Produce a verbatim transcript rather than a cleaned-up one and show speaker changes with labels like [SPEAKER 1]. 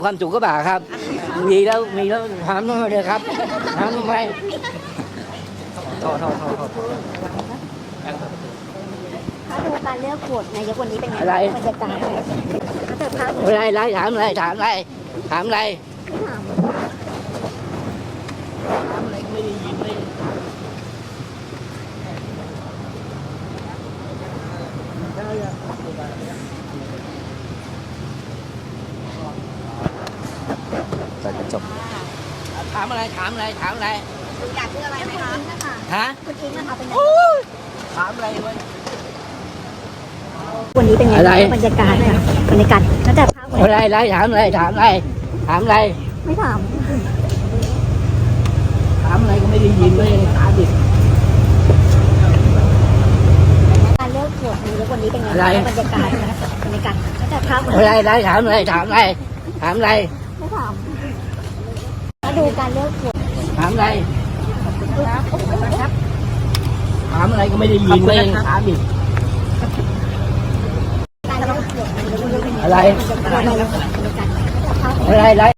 [SPEAKER 1] ความสุขก็บ่าครับมีแล้วมีแล้วถามทำไมเลยครับถามทำไมโทษโทษโทษโทษ
[SPEAKER 2] ถ้าดูการเลือกโหวตนายกวันนี้เป็นไง
[SPEAKER 1] อะไร
[SPEAKER 2] บรรยากาศถ้าเกิดภาพ
[SPEAKER 1] อะไรอะไรถามอะไรถามอะไรถามอะไร
[SPEAKER 2] ไม่ถาม
[SPEAKER 1] ถามอะไรก็ไม่ได้ยินไม่
[SPEAKER 3] เปิดกระจก
[SPEAKER 1] ถามอะไรถามอะไรถามอะไร
[SPEAKER 2] อยากเลือกอะไรไหมคะนะคะ
[SPEAKER 1] ฮะ
[SPEAKER 2] คุณอิงนะคะเป็นไง
[SPEAKER 1] ถามอะไรวะ
[SPEAKER 2] วันนี้เป็นไง
[SPEAKER 1] อะไร
[SPEAKER 2] บรรยากาศค่ะบรรยากาศตั้งแต่ภาพวัน
[SPEAKER 1] อะไรอะไรถามอะไรถามอะไรถามอะไร
[SPEAKER 2] ไม่ถาม
[SPEAKER 1] ถามอะไรก็ไม่ได้ยินไม่ได้ถามดิ
[SPEAKER 2] การเลือกโหวตนายกวันนี้เป็นไง
[SPEAKER 1] อะไร
[SPEAKER 2] บรรยากาศบรรยากาศตั้งแต่ภาพวัน
[SPEAKER 1] อะไรอะไรถามอะไรถามอะไรถามอะไร
[SPEAKER 2] ไม่ถามถ้าดูการเลือกโหวต
[SPEAKER 1] ถามอะไรถามอะไรก็ไม่ได้ยินไม่ได้ถามดิ
[SPEAKER 2] การเลือกโหวตนายกวันนี้เป็นไง
[SPEAKER 1] อะไร
[SPEAKER 2] บรรยากาศบรรยากาศตั้งแต่ภาพวัน
[SPEAKER 1] อะไรอะไร